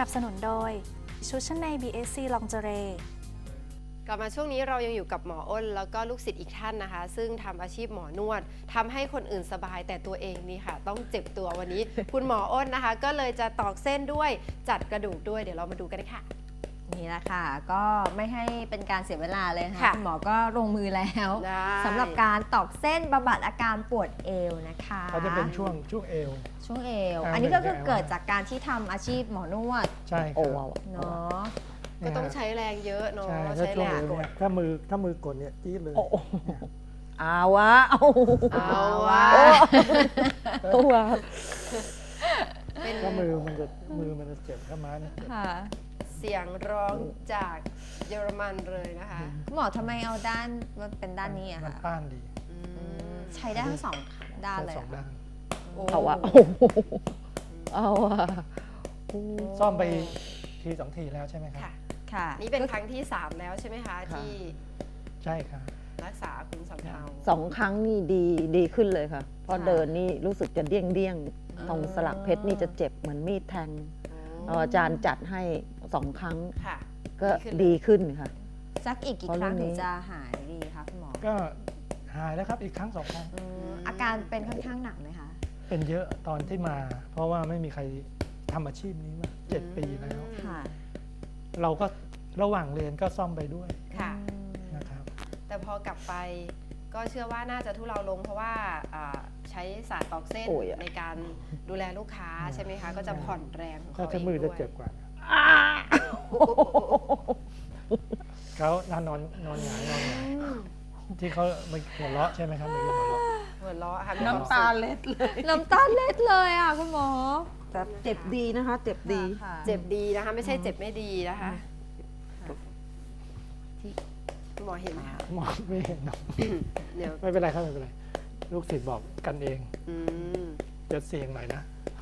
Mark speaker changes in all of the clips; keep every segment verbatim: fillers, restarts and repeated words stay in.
Speaker 1: นับสนุนโดยชุดชั้นใน บี เอส ซี Lingerie
Speaker 2: กลับมาช่วงนี้เรายังอยู่กับหมออ้นแล้วก็ลูกศิษย์อีกท่านนะคะซึ่งทำอาชีพหมอนวดทำให้คนอื่นสบายแต่ตัวเองนี่ค่ะต้องเจ็บตัววันนี้ คุณหมออ้นนะคะก็เลยจะตอกเส้นด้วยจัดกระดูกด้วยเดี๋ยวเรามาดูกันค่ะ
Speaker 3: นี่แหละค่ะก็ไม่ให้เป็นการเสียเวลาเลยนะคะ
Speaker 2: ค่ะ
Speaker 3: คุณหมอก็ลงมือแล้ว
Speaker 2: ได้
Speaker 3: สำหรับการตอกเส้นบำบัดอาการปวดเอวนะคะ
Speaker 4: เขาจะเป็นช่วงช่วงเอว
Speaker 3: ช่วงเอว
Speaker 4: อ่า
Speaker 3: อันนี้ก็คือ
Speaker 4: เป็นเอว
Speaker 3: เกิดจากการที่ทำอาชีพหมอนวด
Speaker 4: ใช่ค
Speaker 5: โอ้
Speaker 4: รับ
Speaker 5: ว้าว
Speaker 3: เนาะ
Speaker 2: ก็ต้องใช้แรงเยอะเนาะ
Speaker 4: ใช่ถ้า
Speaker 2: ใช้
Speaker 4: ช่ว
Speaker 2: แรง ง
Speaker 4: เอว
Speaker 2: กด
Speaker 4: เนี่ยถ้ามือถ้ามือกดเนี่ยจี๊ดเลย
Speaker 5: โอ้โหอาวะเอา
Speaker 2: เอาว่า
Speaker 5: เอาวะ
Speaker 2: เป็น
Speaker 4: ถ้ามือมันจะมือมันจะเจ็บถ้าม้าเนี่ยเจ็บ
Speaker 3: ค่ะ
Speaker 2: เสียงร้องจากเยอรมันเลยนะคะ
Speaker 3: คุณหมอทำไมเอาด้านมันเป็นด้านนี้อะ
Speaker 4: มัน
Speaker 3: คะ
Speaker 4: ต้านดี
Speaker 2: อืม
Speaker 3: ใช้ได้ทั้งสองด้าน
Speaker 4: ทั้ง
Speaker 3: เลย
Speaker 4: สอง
Speaker 3: อะ
Speaker 4: ด้าน
Speaker 2: โอ้
Speaker 5: เอาวะโอ้โหเอาวะ
Speaker 4: ซ่อมไปทีสองทีแล้วใช่ไหมครับ
Speaker 2: ค่ะ
Speaker 3: ค่ะ
Speaker 2: นี่เป็นครั้งที่สามแล้วใช่ไหมคะที่
Speaker 4: ใช่ครับ
Speaker 2: รักษาคุณสำเภา
Speaker 5: สองครั้งนี่ดีดีขึ้นเลยค่ะ เพราะ
Speaker 3: ค่ะ
Speaker 5: เดินนี่รู้สึกจะเดี้ยงเดี้ยง
Speaker 3: อืม
Speaker 5: ตรงสลักเพชรนี่จะเจ็บเหมือนมีดแทงเอาอาจารย์จัดให้สองครั้ง
Speaker 2: ค่ะ
Speaker 5: ก็
Speaker 2: ดี
Speaker 5: ดี
Speaker 2: ขึ้น
Speaker 5: ขึ้นค่ะ
Speaker 3: สักอีกกี่
Speaker 5: เพราะ
Speaker 3: ครั้ง
Speaker 5: เรื่อง
Speaker 3: ถึ
Speaker 5: นี้
Speaker 3: งจะหายดีคะคุณหมอ
Speaker 4: ก็หายแล้วครับอีกครั้งสองครั้ง
Speaker 3: อืมอาการเป็นค่อนข้างหนักไหมคะ
Speaker 4: เป็นเยอะตอนที่มา เพราะว่าไม่มีใครทำอาชีพนี้มาเจ็ดปีแล้ว
Speaker 3: ค่ะ
Speaker 4: เราก็ระหว่างเรียนก็ซ่อมไปด้วย
Speaker 2: ค่ะ
Speaker 4: นะครับ
Speaker 2: แต่พอกลับไปก็เชื่อว่าน่าจะทุเลาลงเพราะว่าอ่าใช้ศาสตร์ตอกเส้น
Speaker 5: โอ้ยอะ
Speaker 2: ในการดูแลลูกค้าใช่ไหมคะ ก็จะผ่อนแรงของ
Speaker 4: ถ้า
Speaker 2: เขาเอ
Speaker 4: ใช้
Speaker 2: ง
Speaker 4: มือ
Speaker 2: ด้
Speaker 4: จะ
Speaker 2: วย
Speaker 4: เจ็บกว่าเขานอนนอนนอนหงายนอนหงายที่เขาไม่หัวเราะใช่ไหมครับเมื่อกี้หัวเราะ
Speaker 2: หัวเราะค่ะ
Speaker 5: น้ำตาเล็ดเลย
Speaker 3: น้ำตาเล็ดเลยอ่ะคุณหมอ
Speaker 5: แต่เจ็บดีนะคะ เจ็บดี
Speaker 3: ค่ะ
Speaker 2: เจ็บดีนะคะ ไม่ใช่เจ็บไม่ดีนะคะที่คุณหมอเห็นไหมคะ
Speaker 4: มองไม่เห็นเนอะ
Speaker 2: เดี๋ยว
Speaker 4: ไม่เป็นไรครับไม่เป็นไร ลูกศิษย์บอกกันเอง
Speaker 2: อืม
Speaker 4: จะเสี่ยงหน่อยนะ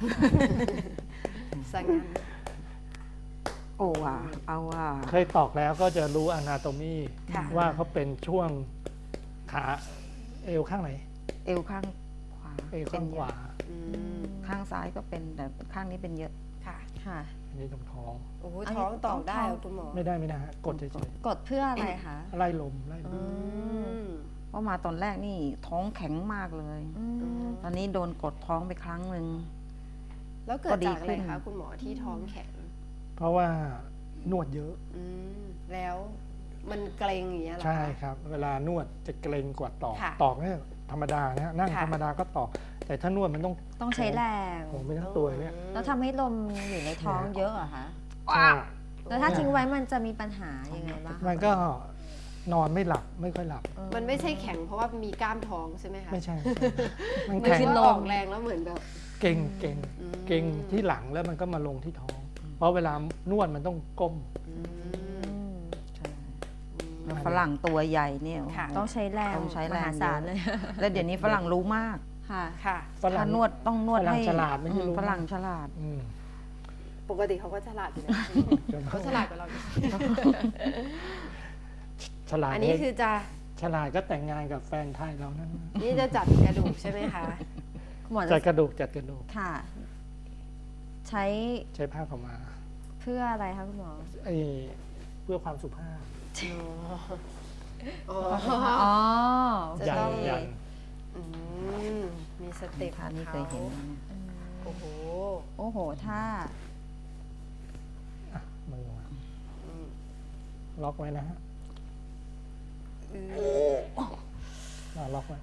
Speaker 2: สังงั้น
Speaker 5: โอ้ว่ะเอาว่ะ
Speaker 4: เคยตอกแล้วก็จะรู้อนาโตมี
Speaker 2: ค่ะ
Speaker 4: ว่าเขาเป็นช่วงขาเอวข้างไหน
Speaker 5: เอวข้างขวา
Speaker 4: เอวข้างขวา
Speaker 2: อืม
Speaker 5: ข้างซ้ายก็เป็นแต่ข้างนี้เป็นเยอะ
Speaker 2: ค่ะ
Speaker 3: ค่ะ
Speaker 4: อันนี้ตรงท้อง
Speaker 2: โอ้โห
Speaker 3: อันนี้
Speaker 2: ท้องตอกได้
Speaker 3: ต้อง
Speaker 2: เหร
Speaker 3: ท้
Speaker 2: อ
Speaker 3: อง
Speaker 2: คุณหมอ
Speaker 4: ไม่ได้ไม่ได้ฮะกดเฉย
Speaker 3: กดเพื่ออะไรคะ
Speaker 4: ๆไล่ลมไล่ล
Speaker 2: อื
Speaker 4: ม
Speaker 2: ม
Speaker 5: เพราะมาตอนแรกนี่ท้องแข็งมากเลย
Speaker 3: อืม
Speaker 5: ตอนนี้โดนกดท้องไปครั้งหนึ่ง
Speaker 2: แล้วเกิด
Speaker 5: ก็ดี
Speaker 2: จากอะไร
Speaker 5: ขึ้น
Speaker 2: คะคุณหมอที่ท้องแข็ง
Speaker 4: เพราะว่านวดเยอะ
Speaker 2: อืมแล้วมันเกร็งอย่างเงี้ยเหรอคะ
Speaker 4: ใช่ครับ เวลานวดจะเกรงกว่าตอก
Speaker 2: ค่ะ
Speaker 4: ตอกเนี่ยธรรมดานะนั่ง
Speaker 2: ค่ะ
Speaker 4: ธรรมดาก็ตอก แต่ถ้านวดมันต้อง
Speaker 3: ต้องใช้แรง
Speaker 4: โอ้โหไม่ทั้งตัวเนี่ย
Speaker 3: แล้วทำให้ลมอยู่ในท้องเยอะเหรอคะ
Speaker 4: ใช่
Speaker 3: แล้วถ้าทิ้งไว้มันจะมีปัญหายังไงบ้างคะ
Speaker 4: มันก็นอนไม่หลับไม่ค่อยหลับ
Speaker 3: เออ
Speaker 2: มันไม่ใช่แข็งเพราะว่ามีกล้ามท้องใช่ไหมคะ
Speaker 4: ไม่ใช่ไม่ใช่มัน
Speaker 2: มัน
Speaker 4: แข็ง
Speaker 2: คือออกแรงแล้วเหมือนแบบ
Speaker 4: เก่งเก่ง
Speaker 2: อืม
Speaker 4: เก่งที่หลังแล้วมันก็มาลงที่ท้อง เพราะเวลานวดมันต้องก้ม
Speaker 2: อื
Speaker 3: อื
Speaker 2: ม
Speaker 3: ม
Speaker 5: ใช่
Speaker 2: อืม
Speaker 5: แล้วฝรั่งตัวใหญ่เนี่ยโอ้โห
Speaker 2: ค่ะ
Speaker 3: ต้องใช้แรง
Speaker 5: ต้องใช้แรง
Speaker 3: มหาศาลเลย
Speaker 5: แล้วเดี๋ยวนี้ฝรั่งรู้มาก
Speaker 3: ค่ะ
Speaker 2: ค่ะ
Speaker 4: ฝรั่
Speaker 5: ถ้าง นวดต้องนวด
Speaker 4: ฝรั่ง
Speaker 5: ให้
Speaker 4: ฉลาดไม่ใช่รู้
Speaker 5: ฝรั่งฉลาด
Speaker 4: อืม
Speaker 2: ปกติเขาก็ฉลาดอยู่นะเขาฉลาดกว่าเราอยู่
Speaker 4: ฉลาด
Speaker 2: อันนี้คือจะ
Speaker 4: ฉลาดก็แต่งงานกับแฟนไทยเรานั่น
Speaker 2: นี่จะจัดกระดูกใช่ไหมคะ
Speaker 3: คุณหมอ
Speaker 4: จั
Speaker 3: จะ
Speaker 4: ดกระดูกจัดกระดูก
Speaker 3: ค่ะ ใช้
Speaker 4: ใช้ผ้าขาวมา
Speaker 3: เพื่ออะไรคะคุณหมอ
Speaker 4: ไอ้เพื่อความสุภาพ
Speaker 2: อ๋อ
Speaker 3: อ๋อ
Speaker 2: จะ
Speaker 4: ยั
Speaker 2: ต้
Speaker 4: น
Speaker 2: อง
Speaker 4: ยัน
Speaker 2: อืมมีสเต็ป
Speaker 5: ท่านี้เคยเห็นนะเนี่ย
Speaker 2: โอ้โห
Speaker 3: โอ้โหถ้า
Speaker 4: อ่ะมือมา
Speaker 2: อืม
Speaker 4: ล็อกไว้นะฮะ
Speaker 2: อืม
Speaker 4: อ่ะล็อกไว้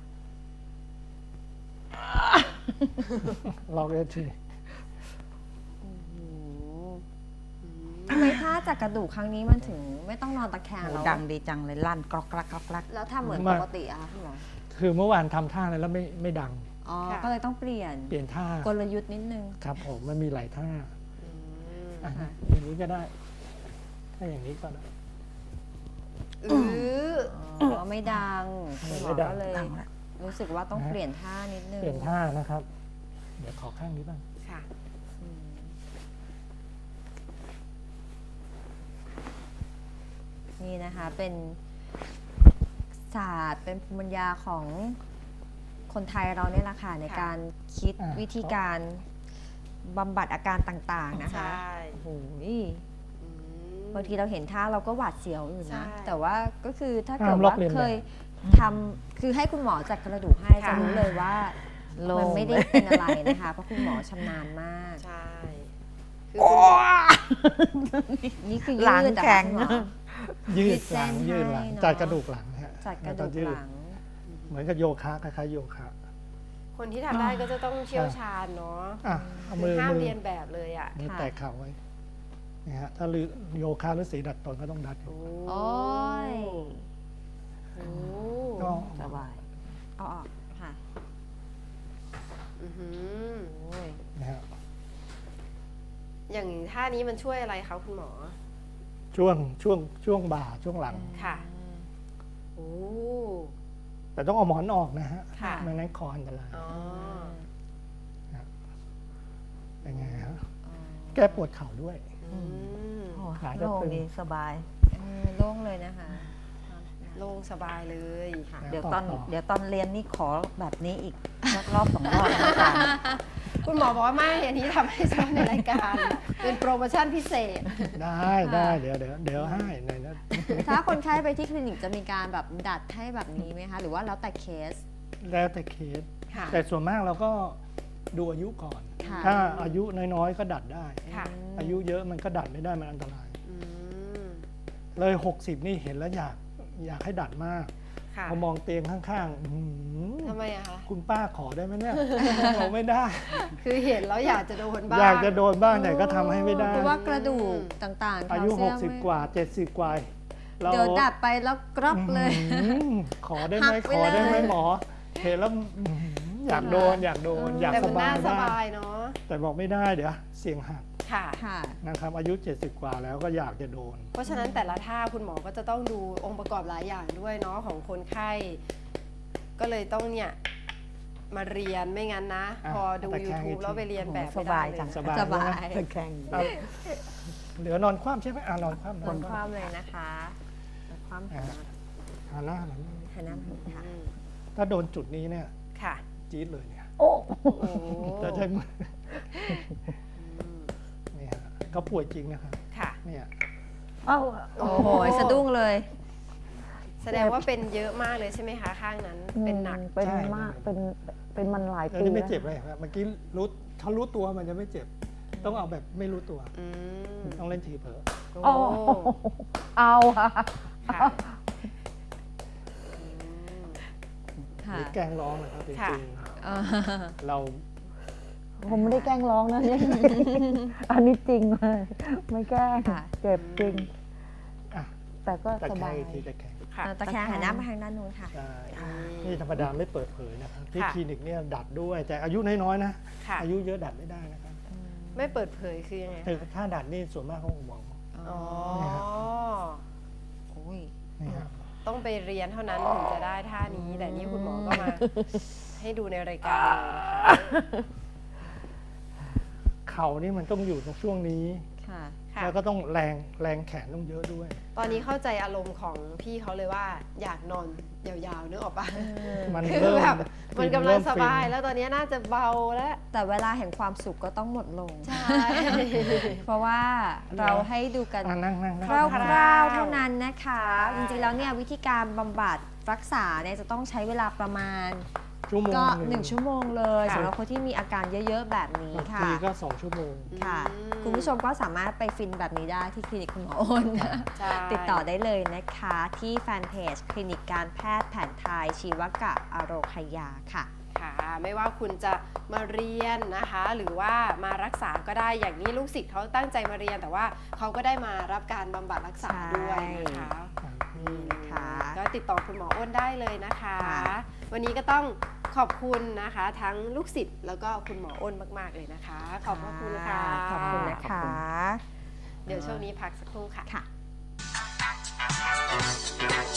Speaker 4: ล็อกได้ที
Speaker 2: โอ้โหอืม
Speaker 3: ทำไมถ้าจากกระดูกครั้งนี้มันถึงไม่ต้องนอนตะแคง
Speaker 5: โอ้
Speaker 3: แล้ว
Speaker 5: ดังดีจังเลยลั่นกรอกกรักกรอกกรัก
Speaker 3: แล้วทำเหมือนปกติอะคะคุณหมอ
Speaker 4: คือเมื่อวานทำท่าอะไรแล้วไม่ไม่ดัง
Speaker 3: อ๋อ ก็เลยต้องเปลี่ยน
Speaker 4: เปลี่ยนท่าก
Speaker 3: ลยุทธ์นิดนึง
Speaker 4: ครับผมมันมีหลายท่า
Speaker 2: อืม
Speaker 4: อ่ะ
Speaker 3: ค่ะ
Speaker 4: อย่างนี้ก็ได้ ถ้าอย่างนี้ก็ได้
Speaker 2: อือ
Speaker 3: อ๋อ ไม่ดังคุณหมอ
Speaker 4: ไม่ดัง
Speaker 3: ก็เลย
Speaker 5: ดังละ
Speaker 3: รู้สึกว่าต้องเปลี่ยนท่านิดนึง
Speaker 4: เปลี่ยนท่านะครับ เดี๋ยวขอข้างนี้บ้าง
Speaker 2: ค่ะ
Speaker 3: อืมนี่นะคะ เป็นศาสตร์ เป็นภูมิปัญญาของคนไทยเราเนี่ยแหละค่ะใน
Speaker 2: ค่ะ
Speaker 3: การคิด
Speaker 4: อ่า
Speaker 3: วิธีการบำบัดอาการต่างๆนะคะ
Speaker 2: ใช่
Speaker 3: โอ้โห
Speaker 2: อืม
Speaker 3: บางทีเราเห็นท่าเราก็หวาดเสียวอยู่
Speaker 2: ใช่
Speaker 3: นะ แต่ว่าก็คือถ้าเกิด
Speaker 4: ห้ามลอก
Speaker 3: ว่า
Speaker 4: เลียนแบบ
Speaker 3: เคยทำคือให้คุณหมอจัดกระดูกให้
Speaker 2: ค่ะ
Speaker 3: จะรู้เลยว่า
Speaker 5: โล่ง
Speaker 3: มันไม่ได้เป็นอะไรนะคะ เพราะคุณหมอชำนาญมาก
Speaker 2: ใช่คือคุณหมอ
Speaker 3: นี่คือ
Speaker 5: หลัง
Speaker 3: ยืดอะ
Speaker 5: แข็ง
Speaker 3: ค่ะคุณหมอ
Speaker 4: ยื
Speaker 3: ยื
Speaker 4: ด
Speaker 3: ด
Speaker 4: หลัง
Speaker 3: เส้น
Speaker 4: ยืดหลัง
Speaker 3: ให้เนอะ
Speaker 4: จัดกระดูกหลังฮะ
Speaker 3: จัดกระ
Speaker 4: แล้
Speaker 3: ดู
Speaker 4: ว
Speaker 3: ก
Speaker 4: ยื
Speaker 3: หลัง
Speaker 4: เหมือนกับโยคะคล้ายๆโยคะ
Speaker 2: คนที่ทำได้ก็จะต้องเชี่ยวชาญเนาะ
Speaker 4: อ่ะเอา
Speaker 2: คื
Speaker 4: มื
Speaker 2: อ
Speaker 4: อ
Speaker 2: ห้าม
Speaker 4: มือ
Speaker 2: เรียนแบบเลยอ่ะ
Speaker 4: มือ
Speaker 3: ค่ะ
Speaker 4: แตะเข่าไว้นี่ฮะถ้าลือโยคะหรือสีดัดตนก็ต้องดัด
Speaker 2: โอ้
Speaker 3: โอ้ย
Speaker 2: โอ้
Speaker 4: ก็
Speaker 5: สบาย
Speaker 3: เอาออกค่ะ
Speaker 2: อื้อหือ
Speaker 3: โอ้ย
Speaker 4: นะฮะ
Speaker 2: อย่างท่านี้มันช่วยอะไรคะคุณหมอ
Speaker 4: ช่วงช่วงช่วงบ่าช่วงหลัง
Speaker 2: ค่ะ โอ้
Speaker 4: แต่ต้องเอาหมอนออกนะฮะ
Speaker 2: ค่ะ
Speaker 4: ไม่งั้นคออันตราย
Speaker 2: อ๋อ
Speaker 4: เป็นไงฮะแก้ปวดเข่าด้วย
Speaker 2: อืม
Speaker 5: โอ้
Speaker 4: ขาจะ
Speaker 5: โล่ง
Speaker 4: ตึง
Speaker 5: ดีสบาย
Speaker 3: เออโล่งเลยนะคะ
Speaker 2: โล่งสบายเลย
Speaker 3: ค่ะ
Speaker 5: เดี๋ยวตอน
Speaker 4: ต่อ
Speaker 5: เดี๋ยวตอนเรียนนี่ขอแบบนี้อีกสักรอบสองรอบนะอาจารย์
Speaker 2: คุณหมอบอกว่าไม่อันนี้ทำให้เฉพาะในรายการ เป็นโปรโมชั่นพิเศษ
Speaker 4: ได้ได้เดี๋ยวเดี๋ยวเดี๋ยวให้ในนั้น
Speaker 3: ถ้าคนไข้ไปที่คลินิกจะมีการแบบดัดให้แบบนี้ไหมคะ หรือว่าแล้วแต่เคส
Speaker 4: แล้วแต่เคส
Speaker 2: ค่ะ
Speaker 4: แต่ส่วนมากเราก็ดูอายุก่อน
Speaker 3: ค่ะ
Speaker 4: ถ้าอายุน้อยๆก็ดัดได้
Speaker 2: ค่ะ
Speaker 4: อายุเยอะมันก็ดัดไม่ได้มันอันตราย
Speaker 2: อืม
Speaker 4: เลยหกสิบนี่เห็นแล้วอยากอยากให้ดัดมาก
Speaker 2: ค่ะ
Speaker 4: พอมองเตียงข้างๆอื้อหือ
Speaker 2: ทำไมอะคะ
Speaker 4: คุณป้าขอได้ไหมเนี่ย เราไม่ได้
Speaker 2: คือเห็นแล้วอยากจะโดนบ้าง
Speaker 4: อยากจะโดนบ้างแต่ก็ทำให้ไม่ได้
Speaker 3: เพราะว่ากระดูกต่างๆ
Speaker 4: อายุ
Speaker 3: แคลเซีม
Speaker 4: หกสิบกว่าเจ็ดสิบกว่าเรา
Speaker 3: เดี๋ยวดัดไปแล้วกรอบเลย
Speaker 4: อื้อหือขอได้ไหม
Speaker 3: หักไป
Speaker 4: ขอได้ไหม
Speaker 3: เลย
Speaker 4: หมอเห็นแล้วอื้อหืออยากโดนอยากโดนอยาก
Speaker 2: แต่
Speaker 4: ส
Speaker 2: มัน
Speaker 4: บา
Speaker 2: น่าย ส
Speaker 4: บ้าง
Speaker 2: บายเนาะ
Speaker 4: แต่บอกไม่ได้เดี๋ยวเสี่ยงหัก
Speaker 2: ค่ะ
Speaker 3: ค่ะ
Speaker 4: นะครับ อายุเจ็ดสิบกว่าแล้วก็อยากจะโดน
Speaker 2: เพราะฉะนั้นแต่ละท่าคุณหมอก็จะต้องดูองค์ประกอบหลายอย่างด้วยเนาะของคนไข้ ก็เลยต้องเนี่ยมาเรียนไม่งั้นนะ
Speaker 4: อ่ะ
Speaker 2: พอดู
Speaker 4: ตะแคง
Speaker 2: YouTube
Speaker 4: อีกที
Speaker 2: แล้วไปเรียนแบบ
Speaker 5: ส
Speaker 2: ไม่ได้
Speaker 5: บาย
Speaker 2: เลย
Speaker 5: จัง
Speaker 4: สบาย
Speaker 3: สบาย
Speaker 4: ใช่ไหม
Speaker 5: ตะแคง
Speaker 4: เอาเหลือนอนคว่ำใช่ไหมอ่ะนอนคว่ำน
Speaker 3: ค
Speaker 4: อน
Speaker 3: น
Speaker 4: ค
Speaker 3: ค
Speaker 4: ว่ำ
Speaker 3: ว่ำเลยนะคะความ
Speaker 4: อ่ะหันหน้าหันหลัง
Speaker 3: หันหน้ามาค่ะ
Speaker 2: อืม
Speaker 4: ถ้าโดนจุดนี้เนี่ย
Speaker 2: ค่ะ
Speaker 4: จี๊ดเลยเนี่ย
Speaker 5: โอ้
Speaker 2: โอ้
Speaker 4: จะใช้มือ
Speaker 2: อืม
Speaker 4: นี่ฮะเขาป่วยจริงนะครับ
Speaker 2: ค่ะ
Speaker 4: เนี่ย
Speaker 5: เอ้า
Speaker 3: โอ้โหสะดุ้งเลย
Speaker 2: แสดงว่าเป็นเยอะมากเลยใช่ไหมคะข้างนั้น เป็นหนัก
Speaker 5: เป็น
Speaker 4: ใช่
Speaker 5: มากเป็นเป็นมันหลาย
Speaker 4: เออ
Speaker 5: ปี
Speaker 4: นี่ไม่
Speaker 5: แล้ว
Speaker 4: เจ็บเลยครับเมื่อกี้รู้ถ้ารู้ตัวมันจะไม่เจ็บ ต้องเอาแบบไม่รู้ตัว
Speaker 2: อืม
Speaker 4: ต้องเล่นทีเผลอ
Speaker 2: โอ้
Speaker 5: โอ้เอาค่ะ
Speaker 2: ค่ะอืม
Speaker 4: ห
Speaker 3: ค่ะ
Speaker 4: รือแกล้งร้องนะครับจ
Speaker 2: ค่ะ
Speaker 4: ริง
Speaker 3: เออ
Speaker 4: ๆเรา
Speaker 5: ผมไม่ได้แกล้งร้องนะ เนี่ยอันนี้จริงเลยไม่แกล้ง
Speaker 3: ค่ะ
Speaker 5: เจ็บจริง
Speaker 4: อ่ะ
Speaker 5: แต่ก็
Speaker 4: ตะ
Speaker 5: ส
Speaker 4: แค
Speaker 5: บาง ย
Speaker 4: อีกทีตะแคง
Speaker 2: ค่ะ
Speaker 3: ตะแคงหันหน้ามาทางด้านนู้นค่ะ
Speaker 4: ใช่
Speaker 2: อืม
Speaker 4: นี่ธรรมดาไม่เปิดเผยนะครับที่
Speaker 2: ค่ะ
Speaker 4: คลินิกเนี่ยดัดด้วย แต่อายุน้อยๆนะ
Speaker 2: ค่ะ
Speaker 4: อายุเยอะดัดไม่ได้นะครับ
Speaker 2: ไม่เปิดเผยคือยังไง
Speaker 4: แต่ถ้าดัดนี่ส่วนมากเขาบอก
Speaker 2: อ๋อ
Speaker 3: โอ้ย
Speaker 4: นี่ฮะ
Speaker 2: ต้องไปเรียนเท่านั้นถึงจะได้ท่านี้ แต่นี่คุณหมอก็มาให้ดูในรายการเลยนะคะ
Speaker 4: เข่านี่มันต้องอยู่ตรงช่วงนี้
Speaker 3: ค่ะ
Speaker 2: ค่ะ
Speaker 4: แล้วก็ต้องแรงแรงแขนต้องเยอะด้วย
Speaker 2: ตอนนี้เข้าใจอารมณ์ของพี่เขาเลยว่าอยากนอนยาวๆนึกออกปะ
Speaker 4: มัน
Speaker 2: คือ
Speaker 4: เริ่ม
Speaker 2: แบบมันกำลัง
Speaker 4: เริ่ม
Speaker 2: สบาย
Speaker 4: ฟิน
Speaker 2: แล้วตอนนี้น่าจะเบาแล้ว
Speaker 3: แต่เวลาแห่งความสุขก็ต้องหมดลง
Speaker 2: ใช่
Speaker 3: เพราะว่าเราให้ดูกัน
Speaker 4: อ่ะนั่งนั่งนั่ง
Speaker 3: คร่
Speaker 2: คร่าว
Speaker 3: าว
Speaker 2: ๆ
Speaker 3: ๆเท่านั้นนะคะ
Speaker 2: ใช่
Speaker 3: จริงๆแล้วเนี่ยวิธีการบำบัดรักษาเนี่ยจะต้องใช้เวลาประมาณ
Speaker 4: ชั่วโมง
Speaker 3: ก็
Speaker 4: ห
Speaker 3: หนึ่งชั่วโมงเลย
Speaker 2: ค่ะ
Speaker 3: สำหรับคนที่มีอาการเยอะๆแบบนี้
Speaker 4: บาง
Speaker 3: ค่ะ
Speaker 4: ทีก็สองชั่วโมง
Speaker 3: ค่ะ
Speaker 2: อืม
Speaker 3: คุณผู้ชมก็สามารถไปฟินแบบนี้ได้ที่คลินิกคุณหมออ้น
Speaker 2: ใช่
Speaker 3: ติดต่อได้เลยนะคะ ที่แฟนเพจคลินิกการแพทย์แผนไทยชีวกะอโรคยาค่ะ
Speaker 2: ค่ะ ไม่ว่าคุณจะมาเรียนนะคะ หรือว่ามารักษาก็ได้อย่างนี้ลูกศิษย์เขาตั้งใจมาเรียน แต่ว่าเขาก็ได้มารับการบำบัดรักษาด้วยนะคะ
Speaker 3: นี่นะคะ
Speaker 2: ก็ติดต่อคุณหมออ้นได้เลยนะคะ
Speaker 3: ค่ะ
Speaker 2: วันนี้ก็ต้องขอบคุณนะคะ ทั้งลูกศิษย์แล้วก็คุณหมออ้นมาก ๆ เลยนะคะ ขอบพระคุณค่ะ
Speaker 3: ขอบคุณนะคะ
Speaker 2: เดี๋ยวช่วงนี้พักสักครู่ค่ะ
Speaker 3: ค่ะ